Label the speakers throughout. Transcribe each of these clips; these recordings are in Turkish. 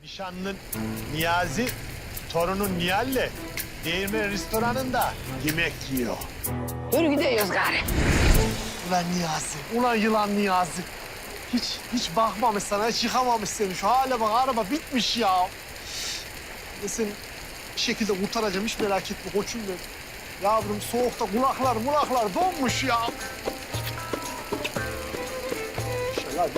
Speaker 1: Nişanlın Niyazi, torunun Nihal'le Değirmen restoranında yemek yiyor.
Speaker 2: Yürü gidiyoruz gari.
Speaker 1: Ulan Niyazi, ulan yılan Niyazi. Hiç bakmamış sana, hiç yıkamamış seni. Şu hale bak, araba bitmiş ya. Ben seni bir şekilde kurtaracağım, hiç merak etme koçum benim. Yavrum soğukta kulaklar donmuş ya. Hadi.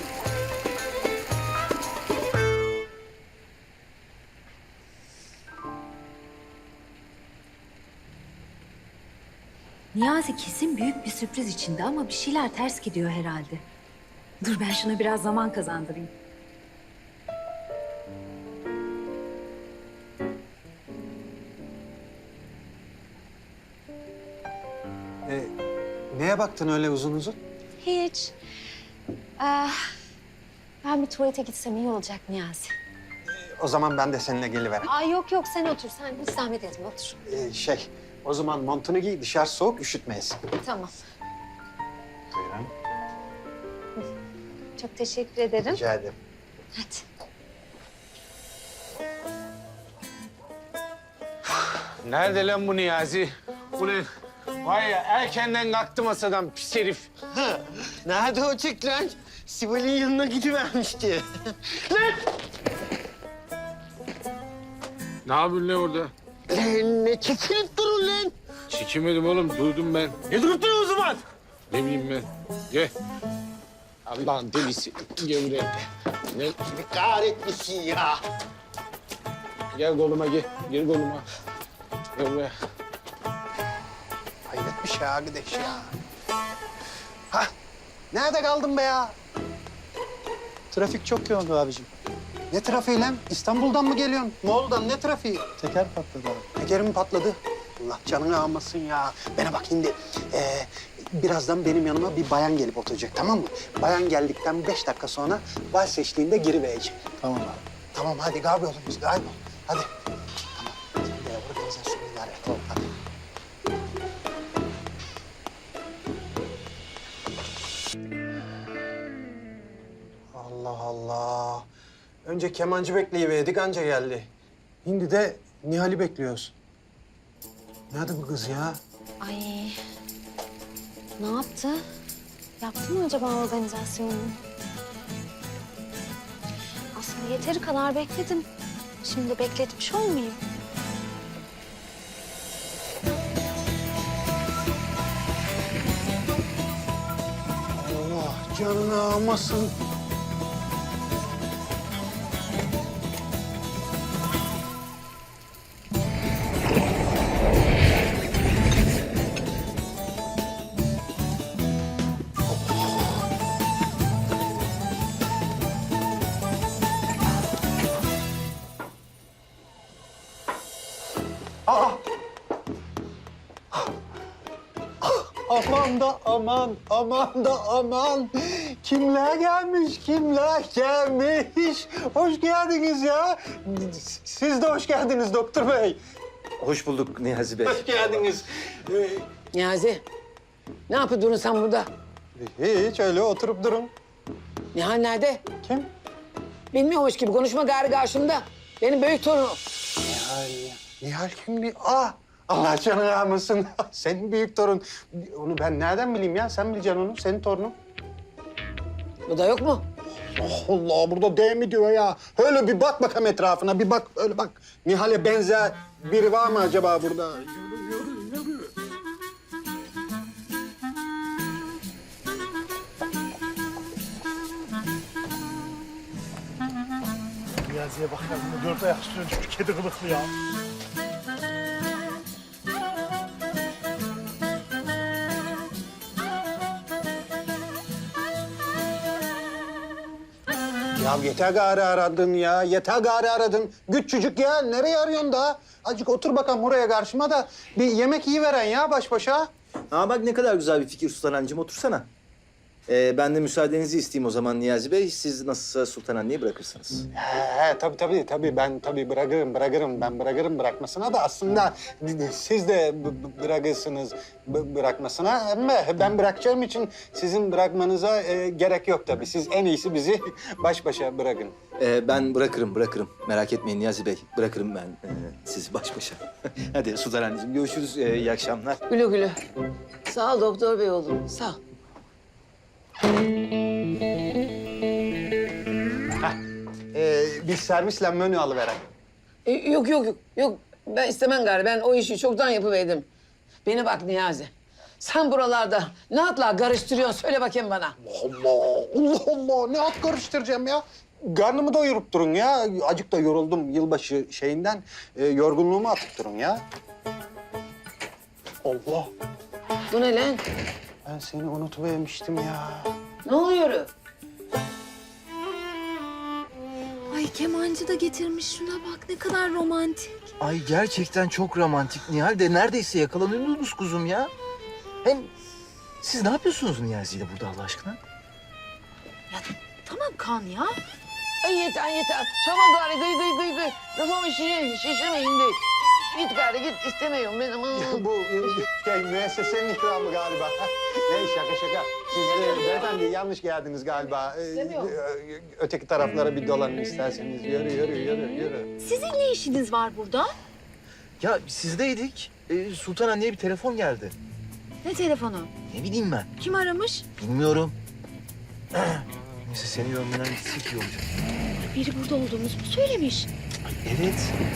Speaker 3: Niyazi kesin büyük bir sürpriz içinde ama bir şeyler ters gidiyor herhalde. Dur ben şuna biraz zaman kazandırayım.
Speaker 4: Neye baktın öyle uzun uzun?
Speaker 3: Hiç. Ben bir tuvalete gitsem iyi olacak Niyazi.
Speaker 4: O zaman ben de seninle gelivereyim.
Speaker 3: Ay yok sen otur. Sen hiç zahmet etme otur.
Speaker 4: O zaman montunu giy, dışarı soğuk, üşütmeyesin.
Speaker 3: Tamam.
Speaker 4: Buyurun.
Speaker 3: Çok teşekkür ederim.
Speaker 4: Rica ederim.
Speaker 3: Hadi.
Speaker 5: Nerede lan bu Niyazi? Ulan vay ya erkenden kalktı masadan pis herif.
Speaker 6: Nerede o çık lan? Sibel'in yanına gidivermişti.
Speaker 5: Ne yapıyorsun lan orada?
Speaker 6: Lan ne çekilip durun lan?
Speaker 5: Çekemedim oğlum durdum ben.
Speaker 6: Ne durup durun o zaman?
Speaker 5: Ne bileyim ben. Gel. Allah'ın delisi. Gel buraya. Gel,
Speaker 6: Bir kahretmişsin ya.
Speaker 5: gel koluma gel. Gel koluma. Gel buraya.
Speaker 4: Hayret bir şey arkadaş ya. Ha, nerede kaldın be ya?
Speaker 7: Trafik çok yoğun abicim.
Speaker 4: Ne trafiği lan? İstanbul'dan mı geliyorsun? Moğol'dan ne trafiği?
Speaker 7: Teker patladı abi.
Speaker 4: Tekerim patladı. Allah canını almasın ya. Bana bak şimdi. Birazdan benim yanıma bir bayan gelip oturacak, tamam mı? Bayan geldikten 5 dakika sonra vals eşliğinde giriverecek.
Speaker 7: Tamam abi.
Speaker 4: Tamam hadi kaybol biz kaybol. Hadi. Tamam. Sen de yavrum sen şunu idare et. Tamam. Hadi. Allah Allah. Önce kemancı bekleyiverdik anca geldi. Şimdi de Nihal'i bekliyoruz. Nerede bu kız ya?
Speaker 3: Ay. Ne yaptı? Yaptı mı acaba organizasyonunu? Aslında yeteri kadar bekledim. Şimdi bekletmiş olmayayım.
Speaker 4: Allah canını almasın. Aa! Aman da aman. Kimler gelmiş? Hoş geldiniz ya. Siz de hoş geldiniz doktor bey.
Speaker 7: Hoş bulduk Niyazi Bey.
Speaker 4: Hoş geldiniz.
Speaker 2: Niyazi, ne yapıyordun sen burada?
Speaker 4: Hiç öyle oturup durun.
Speaker 2: Nihal nerede?
Speaker 4: Kim?
Speaker 2: Bilmiyormuş gibi konuşma gari karşımda. Benim büyük torunum.
Speaker 4: Nihal kimdi? Allah canını almasın. Senin büyük torun. Onu ben nereden bileyim ya? Sen bileceksin onu. Senin torunun.
Speaker 2: Bu da yok mu?
Speaker 4: Allah burada değil mi diyor ya? Öyle bir bak bakalım etrafına. Bir bak öyle bak. Nihal'e benzer biri var mı acaba burada? Yürü.
Speaker 1: Niyazi'ye bak ya, bunu dört ayak üstüne düşmüş kedi kılıklı ya.
Speaker 4: Ya yeter gari aradın ya. Yeter gari aradın. Küçücük ya. Nereye arıyorsun daha? Azıcık otur bakalım buraya karşıma da bir yemek yiyiveren ya baş başa.
Speaker 7: Aa bak ne kadar güzel bir fikir Sultan Hancığım, otursana. Ben de müsaadenizi isteyeyim o zaman Niyazi Bey. Siz nasılsa Sultan Anne'yi bırakırsınız.
Speaker 4: Tabii ben bırakırım. Ben bırakırım bırakmasına da aslında siz de bırakırsınız bırakmasına. Ama ben bırakacağım için sizin bırakmanıza gerek yok tabii. Siz en iyisi bizi baş başa bırakın.
Speaker 7: Ben bırakırım. Merak etmeyin Niyazi Bey. Bırakırım ben sizi baş başa. Hadi Sultan Anneciğim görüşürüz. İyi akşamlar.
Speaker 2: Güle güle. Sağ ol doktor bey oğlum. Sağ ol.
Speaker 4: Bir servisle menü alıveren.
Speaker 2: Yok. Ben istemem gari. Ben o işi çoktan yapıverdim. Beni bak Niyazi. Sen buralarda ne atlar karıştırıyorsun? Söyle bakayım bana.
Speaker 4: Allah ne at karıştıracağım ya. Karnımı doyurup durun ya. Acık da yoruldum yılbaşı şeyinden. Yorgunluğumu atıp durun ya. Allah.
Speaker 2: Bu ne lan?
Speaker 4: Ben seni unutuvermiştim ya.
Speaker 2: Ne oluyor?
Speaker 3: Ay kemancı da getirmiş, şuna bak ne kadar romantik.
Speaker 8: Ay gerçekten çok romantik Nihal de neredeyse yakalanıyordunuz kuzum ya. Hem siz ne yapıyorsunuz Niyazi ile burada Allah aşkına?
Speaker 3: Tamam Kaan ya.
Speaker 2: Ay yeter. Çabuk gari gıy. Kafamı şişirme indi. Git gari git. İstemiyorum ben ama.
Speaker 4: Bu müessesenin ikramı galiba. Ne şaka. Siz beyefendi yanlış geldiniz galiba. Öteki taraflara bir dolanın isterseniz. Yürü.
Speaker 3: Sizin ne işiniz var burada?
Speaker 8: Ya sizdeydik. Sultan Anne'ye bir telefon geldi.
Speaker 3: Ne telefonu?
Speaker 8: Ne bileyim ben.
Speaker 3: Kim aramış?
Speaker 8: Bilmiyorum. Neyse seni görmeden gitsek iyi olacak.
Speaker 3: Biri burada olduğumuzu mu söylemiş?
Speaker 8: Evet.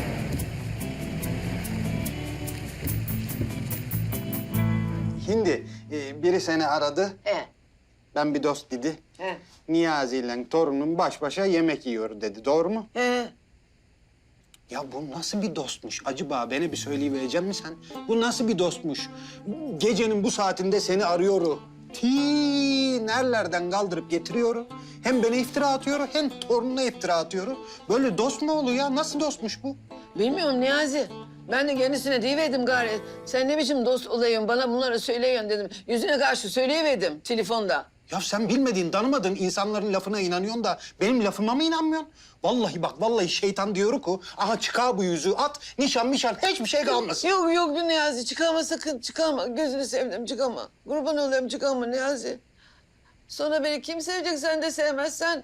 Speaker 4: Hindi biri seni aradı. Ben bir dost dedi.
Speaker 2: He.
Speaker 4: Niyazi ile torunum baş başa yemek yiyor dedi. Doğru mu?
Speaker 2: He.
Speaker 4: Ya bu nasıl bir dostmuş? Acaba bana bir söyleyiverecek misin sen? Bu nasıl bir dostmuş? Gecenin bu saatinde seni arıyor. Nerelerden kaldırıp getiriyor. Hem bana iftira atıyor hem torununa iftira atıyor. Böyle dost mu oluyor ya? Nasıl dostmuş bu?
Speaker 2: Bilmiyorum Niyazi. Ben de kendisine deyiverdim gari. Sen ne biçim dost olayım bana bunları söyleyin dedim. Yüzüne karşı söyleyiverdim telefonda.
Speaker 4: Ya sen bilmediğin, tanımadığın insanların lafına inanıyorsun da benim lafıma mı inanmıyorsun? Vallahi şeytan diyor ki, aha çıkar bu yüzüğü at, nişan hiçbir şey kalmasın.
Speaker 2: Yok Niyazi çıkarma sakın çıkarma. Gözünü sevdim çıkarma. Kurban olayım çıkarma Niyazi. Sonra beni kim sevecek sen de sevmezsen.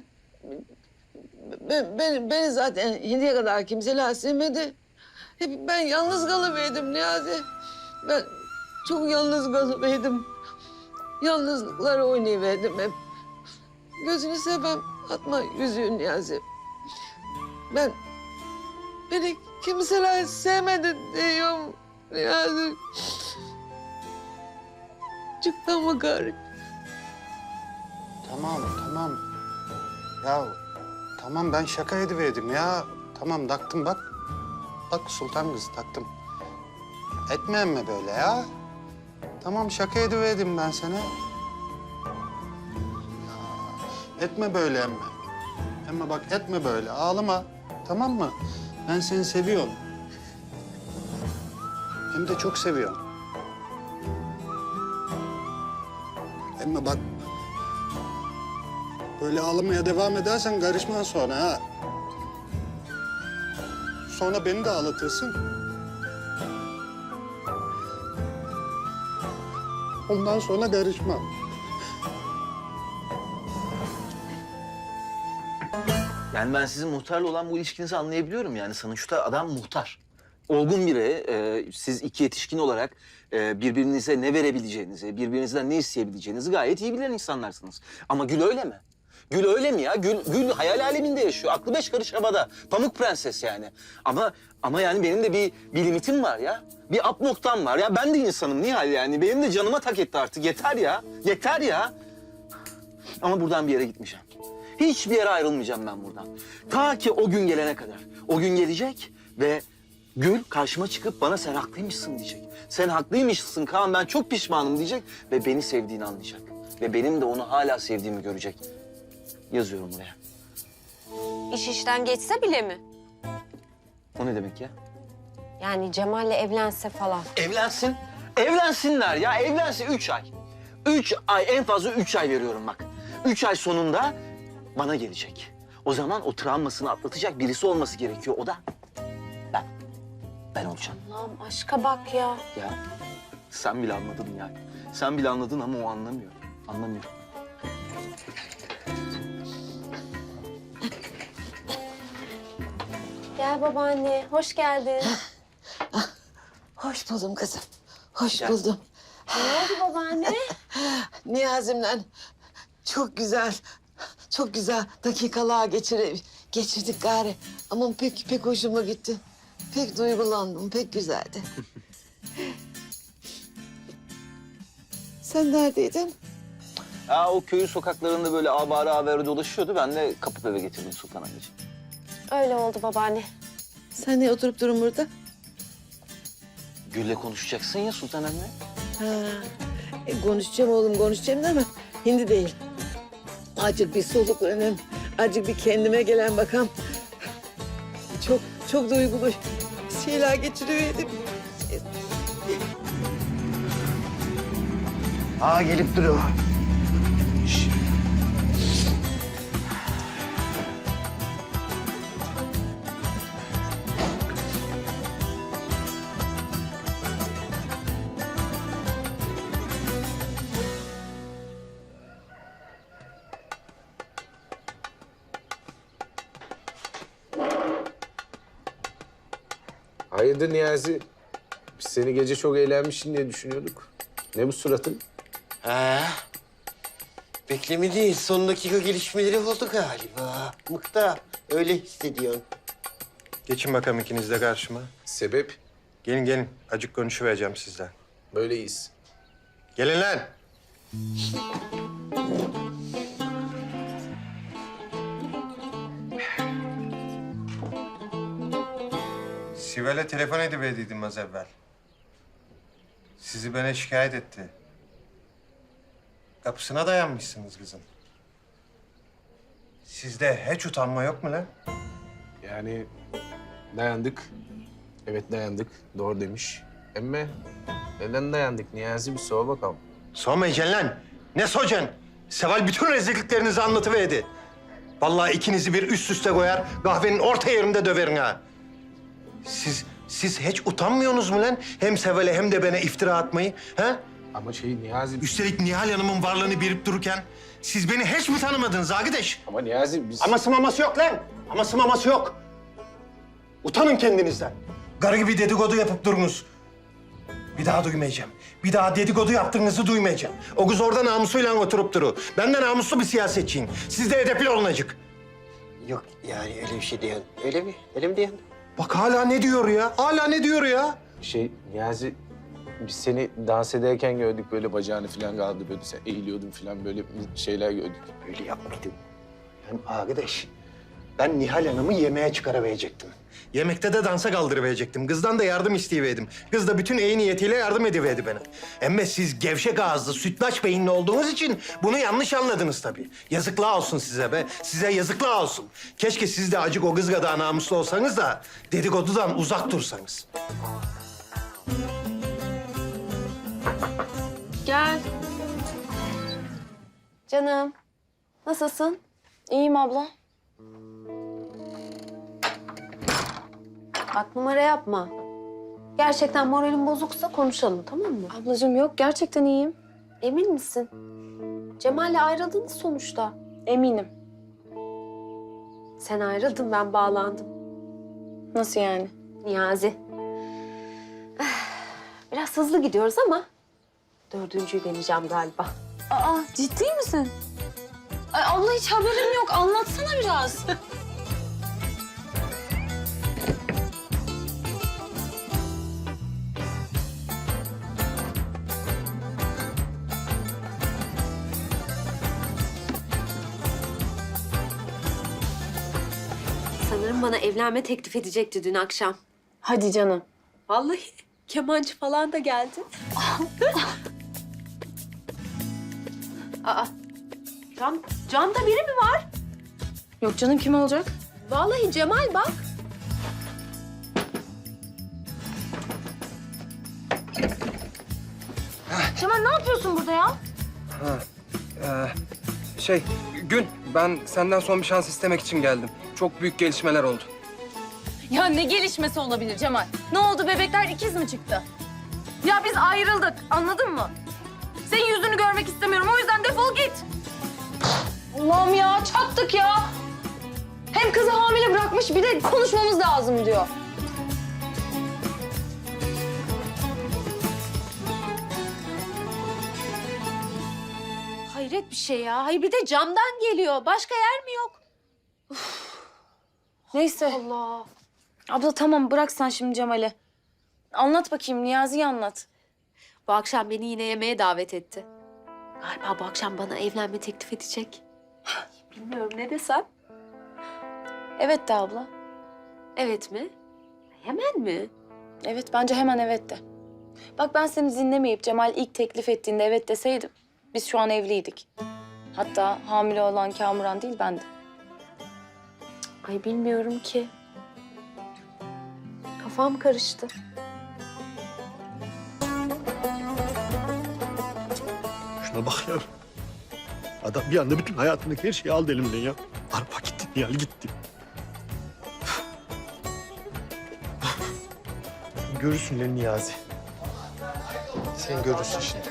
Speaker 2: Beni zaten şimdiye kadar kimseler sevmedi. Hep ben yalnız kalıverdim Niyazi. Ben çok yalnız kalıverdim. Yalnızlıkları oynayıverdim hep. Gözünü sevmem atma yüzüğü Niyazi. Beni kimseler sevmedi diyorum Niyazi. Çıkma gari.
Speaker 4: Tamam. Ya tamam ben şaka ediverdim ya. Tamam taktım bak. Bak sultan kız taktım. Etme emme böyle ya. Tamam şaka ediverdim ben sana. Ya, etme böyle emme. Emme bak etme böyle ağlama. Tamam mı? Ben seni seviyorum. Hem de çok seviyorum. Emme bak. Böyle ağlamaya devam edersen karışman sonra ha. Sonra beni de ağlatırsın. Ondan sonra karışmam.
Speaker 8: Yani ben sizin muhtarla olan bu ilişkinizi anlayabiliyorum yani. Sonuçta adam muhtar. Olgun biri, siz iki yetişkin olarak birbirinize ne verebileceğinizi, birbirinizden ne isteyebileceğinizi gayet iyi bilen insanlarsınız. Ama Gül öyle mi? Gül öyle mi ya? Gül hayal aleminde yaşıyor. Aklı beş karış havada. Pamuk prenses yani. Ama yani benim de bir limitim var ya. Bir up noktam var ya. Ben de insanım Nihal yani. Benim de canıma tak etti artık. Yeter ya. Yeter ya. Ama buradan bir yere gitmeyeceğim. Hiçbir yere ayrılmayacağım ben buradan. Ta ki o gün gelene kadar. O gün gelecek ve Gül karşıma çıkıp bana sen haklıymışsın diyecek. Sen haklıymışsın Kaan, ben çok pişmanım diyecek ve beni sevdiğini anlayacak. Ve benim de onu hala sevdiğimi görecek. Yazıyorum buraya.
Speaker 9: İş işten geçse bile mi?
Speaker 8: O ne demek ya?
Speaker 9: Yani Cemal'le evlense falan.
Speaker 8: Evlensin. Evlensinler ya. Evlensin 3 ay. 3 ay, en fazla 3 ay veriyorum bak. 3 ay sonunda bana gelecek. O zaman o travmasını atlatacak birisi olması gerekiyor. O da ben. Ben olacağım.
Speaker 9: Allah'ım aşka bak ya.
Speaker 8: Ya sen bile anladın yani. Sen bile anladın ama o anlamıyor. Anlamıyor.
Speaker 9: Gel babaanne, hoş geldin.
Speaker 2: Hoş buldum kızım. Hoş
Speaker 8: Gel.
Speaker 2: buldum.
Speaker 9: Ne oldu babaanne?
Speaker 2: Niyazimle çok güzel dakikalar geçirdik gari. Ama pek hoşuma gitti. Pek duygulandım, pek güzeldi. Sen neredeydin?
Speaker 8: O köyün sokaklarında böyle avare avare dolaşıyordu. Ben de kapıp eve getirdim Sultan anneciğim.
Speaker 9: Öyle oldu babaanne.
Speaker 2: Sen niye oturup durun burada?
Speaker 8: Gül'le konuşacaksın ya Sultan anne.
Speaker 2: Ha, konuşacağım oğlum, konuşacağım da ama hindi değil. Azıcık bir soluklanayım, azıcık bir kendime gelen bakalım. Çok duygulu şeyler geçiriyorum.
Speaker 6: Aa gelip duruyor.
Speaker 5: Hayırdır Niyazi? Biz seni gece çok eğlenmişsin diye düşünüyorduk. Ne bu suratın?
Speaker 6: Beklemediğin son dakika gelişmeleri oldu galiba. Mıkta öyle hissediyorsun.
Speaker 10: Geçin bakalım ikiniz de karşıma.
Speaker 5: Sebep?
Speaker 10: Gelin. Acık konuşuvereceğim sizden.
Speaker 5: Böyleyiz.
Speaker 10: Gelin lan. Sibel'e telefon ediverdiydim az evvel. Sizi bana şikayet etti. Kapısına dayanmışsınız kızın. Sizde hiç utanma yok mu lan?
Speaker 5: Yani dayandık. Evet dayandık. Doğru demiş. Emme neden dayandık Niyazi? Bir sor bakalım.
Speaker 10: Sormayacaksın lan. Ne soracaksın? Seval bütün rezilliklerinizi anlatıverdi. Vallahi ikinizi bir üst üste koyar, kahvenin orta yerinde döverin ha. Siz hiç utanmıyorsunuz mu lan? Hem Seval'e hem de bana iftira atmayı, ha?
Speaker 5: Ama Niyazi...
Speaker 10: Üstelik Nihal Hanım'ın varlığını bilip dururken siz beni hiç mi tanımadınız arkadaş?
Speaker 5: Ama Niyazi biz...
Speaker 10: Aması maması yok lan. Aması maması yok. Utanın kendinizden. Garı gibi dedikodu yapıp durunuz. Bir daha duymayacağım. Bir daha dedikodu yaptığınızı duymayacağım. O kız orada namusuyla oturup duru. Ben de namuslu bir siyasetçiyim. Siz de edepli olunacak.
Speaker 6: Yok yani öyle bir şey diyorsun. Öyle mi? Öyle mi diyorsun?
Speaker 10: Bak hala ne diyor ya? Hala ne diyor ya?
Speaker 5: Niyazi biz seni dans ederken gördük böyle bacağını falan kaldı böyle sen eğiliyordun falan böyle şeyler gördük.
Speaker 10: Öyle yapmaydım. Yani arkadaş, ben Nihal Hanım'ı yemeğe çıkarabilecektim. Yemekte de dansa kaldırıverecektim. Kızdan da yardım isteyiverdim. Kız da bütün iyi niyetiyle yardım ediverdi bana. Ama siz gevşek ağızlı, sütlaç beyinli olduğunuz için bunu yanlış anladınız tabii. Yazıklar olsun size be. Size yazıklar olsun. Keşke siz de acık o kız kadar namuslu olsanız da dedikodudan uzak dursanız.
Speaker 9: Gel. Canım, nasılsın? İyiyim abla. Bak numara yapma. Gerçekten moralin bozuksa konuşalım tamam mı?
Speaker 11: Ablacığım yok, gerçekten iyiyim.
Speaker 9: Emin misin? Cemal'le ayrıldınız sonuçta.
Speaker 11: Eminim.
Speaker 9: Sen ayrıldın ben bağlandım.
Speaker 11: Nasıl yani?
Speaker 9: Niyazi. Biraz hızlı gidiyoruz ama dördüncüyü deneyeceğim galiba.
Speaker 11: Aa, ciddi misin? Ay abla hiç haberim yok. Anlatsana biraz.
Speaker 9: Sanırım bana evlenme teklif edecekti dün akşam.
Speaker 11: Hadi canım.
Speaker 9: Vallahi kemancı falan da geldi. Aa, camda biri mi var?
Speaker 11: Yok canım, kim olacak?
Speaker 9: Vallahi Cemal bak.
Speaker 11: Cemal ne yapıyorsun burada ya?
Speaker 12: Gül, ben senden son bir şans istemek için geldim. Çok büyük gelişmeler oldu.
Speaker 11: Ya ne gelişmesi olabilir Cemal? Ne oldu, bebekler ikiz mi çıktı? Ya biz ayrıldık, anladın mı? Senin yüzünü görmek istemiyorum, o yüzden defol git. Allah'ım ya, çattık ya. Hem kızı hamile bırakmış, bir de konuşmamız lazım diyor.
Speaker 9: Hayret bir şey ya. Hayır bir de camdan geliyor. Başka yer mi yok?
Speaker 11: Neyse.
Speaker 9: Allah.
Speaker 11: Abla tamam, bırak sen şimdi Cemal'i. Anlat bakayım, Niyazi'yi anlat.
Speaker 9: Bu akşam beni yine yemeğe davet etti. Galiba bu akşam bana evlenme teklif edecek. Bilmiyorum ne desem.
Speaker 11: Evet de abla.
Speaker 9: Evet mi? Hemen mi?
Speaker 11: Evet, bence hemen evet de. Bak ben seni dinlemeyip Cemal ilk teklif ettiğinde evet deseydim, biz şu an evliydik. Hatta hamile olan Kamuran değil, bendim.
Speaker 9: Ay bilmiyorum ki. Kafam karıştı.
Speaker 1: Şuna bak ya. Adam bir anda bütün hayatındaki her şeyi aldı elimden ya. Arpa gitti, Nihal gitti. Görürsün lan Niyazi. Sen görürsün şimdi.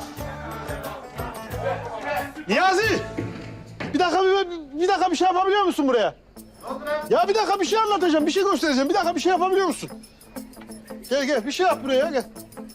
Speaker 1: Niyazi! Bir dakika bir şey yapabiliyor musun buraya? Ya bir dakika bir şey anlatacağım, bir şey göstereceğim. Bir dakika bir şey yapabiliyor musun? Gel bir şey yap buraya gel.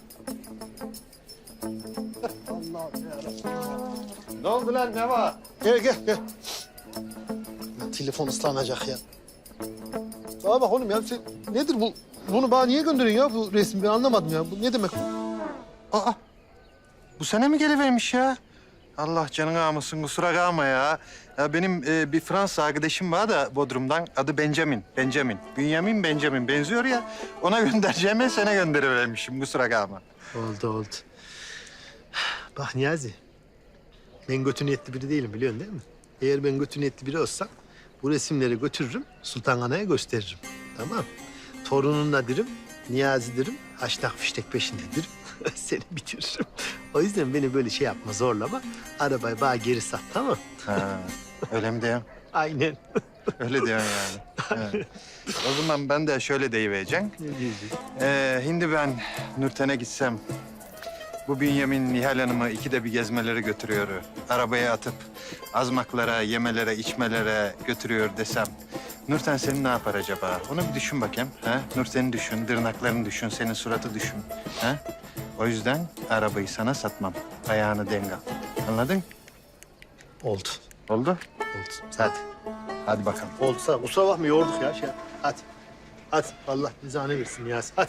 Speaker 1: Allah'ım yarabbim. Ne oldu lan ne var? Gel. Ya, telefon ıslanacak ya. Bana bak oğlum ya sen nedir bu? Bunu bana niye gönderiyorsun ya bu resmi? Ben anlamadım ya. Bu ne demek?
Speaker 10: Aa, bu sene mi gelivermiş ya? Allah canını almasın, kusura kalma ya. Ya benim bir Fransız arkadaşım var da Bodrum'dan. Adı Benjamin. Benjamin benziyor ya. Ona göndereceğime sana gönderivermişim, kusura kalma.
Speaker 1: Oldu. Bak Niyazi, ben kötü niyetli biri değilim biliyorsun değil mi? Eğer ben kötü niyetli biri olsam bu resimleri götürürüm, Sultan Ana'ya gösteririm. Tamam. Torununla derim, Niyazi derim, haştak fiştek peşinde derim. Seni bitiririm. O yüzden beni böyle şey yapma, zorlama. Arabayı bana geri sat, tamam?
Speaker 10: Ha, öyle mi diyorsun?
Speaker 1: Aynen.
Speaker 10: Öyle diyorsun yani. Ha. O zaman ben de şöyle deyivereceğim. Şimdi ben Nurten'e gitsem, bu Bünyamin Nihal Hanım'ı ikide bir gezmelere götürüyor. Arabaya atıp azmaklara, yemelere, içmelere götürüyor desem, Nurten seni ne yapar acaba? Onu bir düşün bakayım. Ha? Nurten'i düşün, tırnaklarını düşün, senin suratı düşün. Ha? O yüzden arabayı sana satmam. Ayağını denk al. Anladın?
Speaker 1: Oldu.
Speaker 10: Oldu?
Speaker 1: Hadi.
Speaker 10: Hadi bakalım.
Speaker 1: Oldu sağ ol. Kusura bakma yorduk ya. Hadi. Hadi. Allah nizane versin Niyazi. Hadi.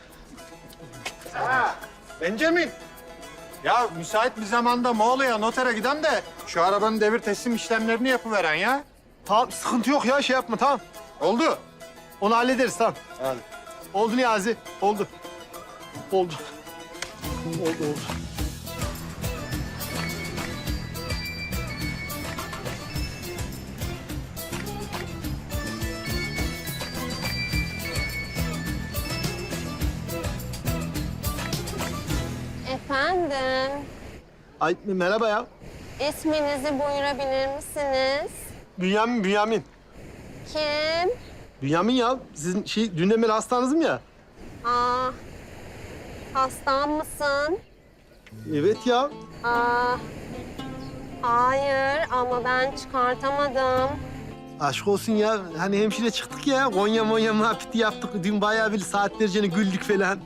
Speaker 10: Benjamin. Ya müsait bir zamanda Moğol'a notere giden de şu arabanın devir teslim işlemlerini yapıveren ya.
Speaker 1: Tamam sıkıntı yok ya şey yapma tamam.
Speaker 10: Oldu.
Speaker 1: Onu hallederiz tamam.
Speaker 10: Hadi.
Speaker 1: Oldu Niyazi. Oldu. Oldu.
Speaker 9: Efendim,
Speaker 1: Ay merhaba ya.
Speaker 9: isminizi buyurabilir misiniz?
Speaker 1: Bünyamin.
Speaker 9: Kim?
Speaker 1: Bünyamin ya. Sizin dünden beri hastanızım ya.
Speaker 9: Aa, hastan mısın?
Speaker 1: Evet ya.
Speaker 9: Hayır ama ben çıkartamadım.
Speaker 1: Aşk olsun ya. Hani hemşire çıktık ya. Konya muhabbeti yaptık. Dün bayağı bir saatlerce güldük falan.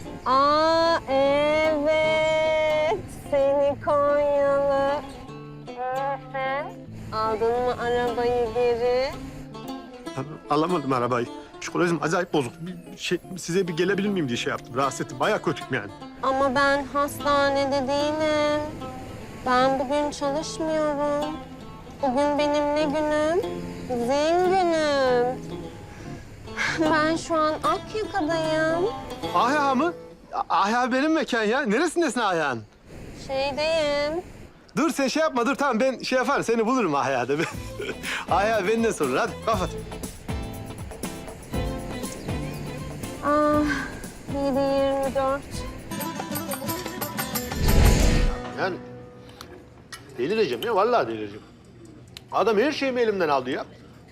Speaker 9: Evet, seni Konyalı. İyisin. Aldın mı arabayı geri?
Speaker 1: Alamadım arabayı. Psikolojim acayip bozuk. Size bir gelebilir miyim diye şey yaptım. Rahatsız ettim. Bayağı kötüyüm yani.
Speaker 9: Ama ben hastanede değilim. Ben bugün çalışmıyorum. Bugün benim ne günüm? Zil günüm. Ben şu an Akyaka'dayım.
Speaker 1: Ahya mı? Ahya benim mekan ya. Neresindesin Ahya'nın?
Speaker 9: Şeydeyim.
Speaker 1: Dur sen şey yapma. Dur tamam ben şey yaparım. Seni bulurum Ahya'da. Ahya benden sonra. Hadi kapat.
Speaker 9: Ah, 7:24.
Speaker 1: Yani Delireceğim ya, vallahi delireceğim. Adam her şeyimi elimden aldı ya.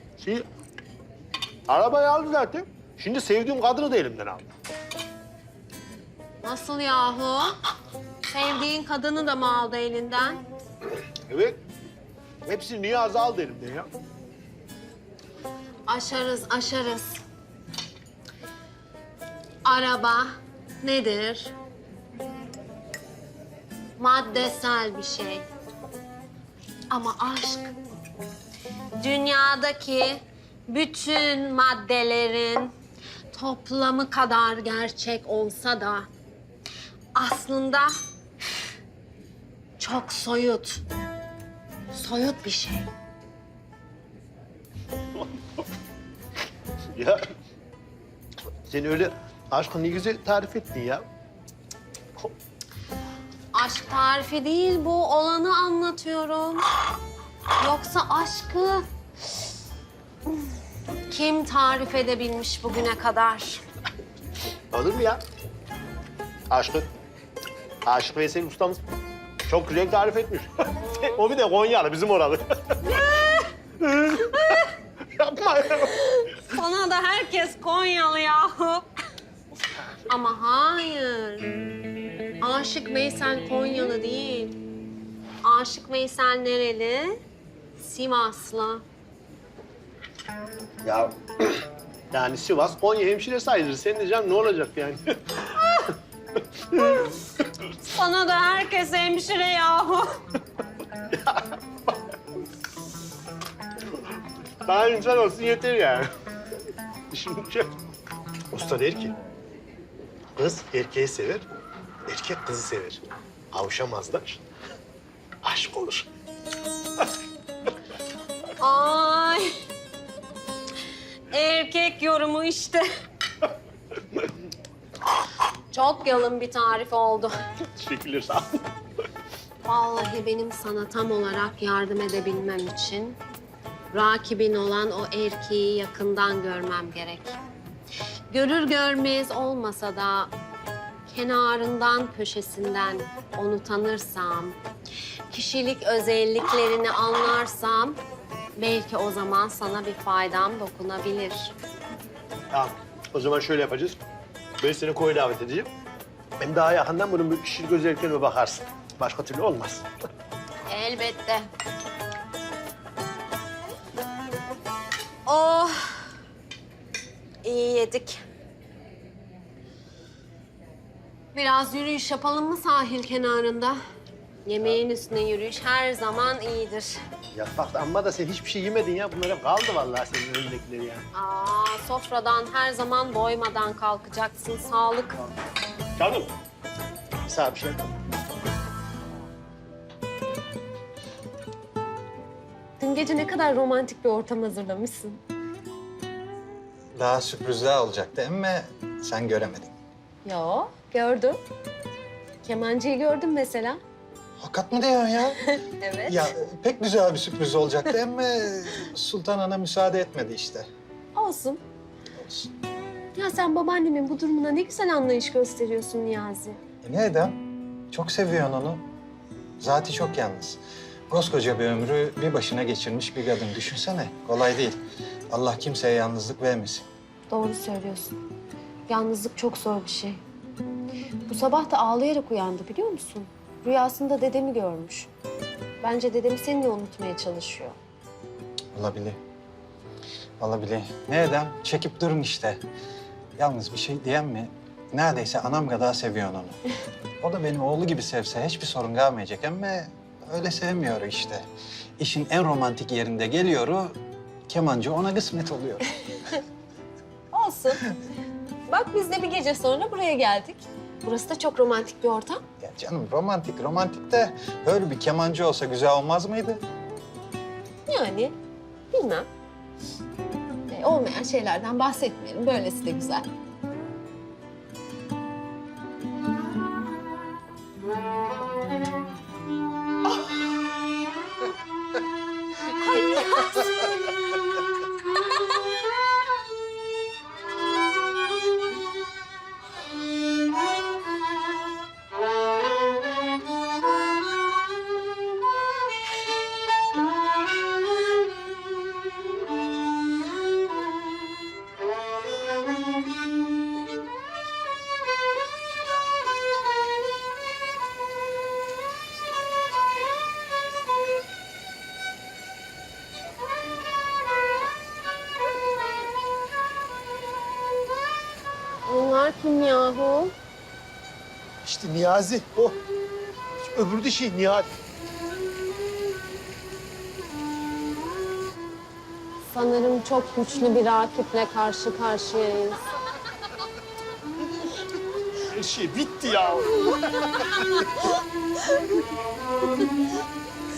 Speaker 1: Arabayı aldı zaten. Şimdi sevdiğim kadını da elimden aldı.
Speaker 9: Nasıl yahu? Sevdiğin kadını da mı aldı elinden?
Speaker 1: Evet. Hepsini Niyazi aldı elimden ya.
Speaker 9: Aşarız, aşarız. Araba nedir? Maddesel bir şey. Ama aşk, dünyadaki bütün maddelerin toplamı kadar gerçek olsa da aslında çok soyut. Soyut bir şey.
Speaker 1: Ya sen öyle aşkı ne güzel tarif ettin ya.
Speaker 9: Aşk tarifi değil bu, olanı anlatıyorum. Yoksa aşkı kim tarif edebilmiş bugüne kadar?
Speaker 1: Olur mu ya? Aşık Veysel ustamız çok güzel tarif etmiş. O bir de Konyalı, bizim oralı. Yapma ya.
Speaker 9: Sana da herkes Konyalı yahu. Ama hayır. Aşık Veysel Konyalı değil. Aşık Veysel nereli? Sivaslı.
Speaker 1: Ya yani Sivas, Konya hemşire sayılır. Senin de canım ne olacak yani?
Speaker 9: Sana da herkes hemşire yahu.
Speaker 1: Daha insan olsun yeter yani. Şimdi usta der ki, kız erkeği sever, erkek kızı sever. Kavuşamazlar, aşk olur.
Speaker 9: Ay. Erkek yorumu işte. Çok yalın bir tarif oldu.
Speaker 1: Teşekkürler, sağ ol.
Speaker 9: Vallahi benim sana tam olarak yardım edebilmem için rakibin olan o erkeği yakından görmem gerek. Görür görmez olmasa da kenarından, köşesinden onu tanırsam, kişilik özelliklerini anlarsam belki o zaman sana bir faydam dokunabilir.
Speaker 1: Tamam, o zaman şöyle yapacağız. Ben seni koya davet edeceğim. Hem daha yakından bunun bir kişilik özelliklerine bakarsın. Başka türlü olmaz.
Speaker 9: Elbette. Oh, iyi yedik. Biraz yürüyüş yapalım mı sahil kenarında? Yemeğin üstüne yürüyüş her zaman iyidir.
Speaker 1: Ya bak amma da sen hiçbir şey yemedin ya. Bunlar hep kaldı vallahi senin önündekileri yani.
Speaker 9: Sofradan her zaman doymadan kalkacaksın. Sağlık.
Speaker 1: Canım. Sağ bir şey.
Speaker 9: Dün gece ne kadar romantik bir ortam hazırlamışsın.
Speaker 4: Daha sürprizler olacaktı ama sen göremedin.
Speaker 9: Yo, gördüm. Kemancıyı gördüm mesela.
Speaker 4: Hakikat mı diyorsun ya?
Speaker 9: Evet.
Speaker 4: Ya pek güzel bir sürpriz olacaktı ama Sultan Ana müsaade etmedi işte.
Speaker 9: Olsun. Ya sen babaannemin bu durumuna ne güzel anlayış gösteriyorsun Niyazi.
Speaker 4: Ne edem? Çok seviyorsun onu. Zati çok yalnız. Koskoca bir ömrü bir başına geçirmiş bir kadın. Düşünsene, kolay değil. Allah kimseye yalnızlık vermesin.
Speaker 9: Doğru söylüyorsun. Yalnızlık çok zor bir şey. Bu sabah da ağlayarak uyandı biliyor musun? Rüyasında dedemi görmüş. Bence dedemi seninle unutmaya çalışıyor.
Speaker 4: Olabilir. Olabilir. Ne edem? Çekip durun işte. Yalnız bir şey diyem mi? Neredeyse anam kadar seviyorsun onu. O da beni oğlu gibi sevse hiçbir sorun kalmayacak ama öyle sevmiyor işte. İşin en romantik yerinde geliyor, kemancı ona kısmet oluyor.
Speaker 9: Olsun. Bak biz de bir gece sonra buraya geldik. Burası da çok romantik bir ortam.
Speaker 4: Ya canım romantik de böyle bir kemancı olsa güzel olmaz mıydı?
Speaker 9: Yani bilmem. Olmayan şeylerden bahsetmeyelim. Böylesi de güzel. Ay Niyazi. Bunlar kim yahu?
Speaker 1: İşte Niyazi o. Öbürü de şey Nihal.
Speaker 9: Sanırım çok güçlü bir rakiple karşı karşıyayız.
Speaker 1: Her şey bitti ya.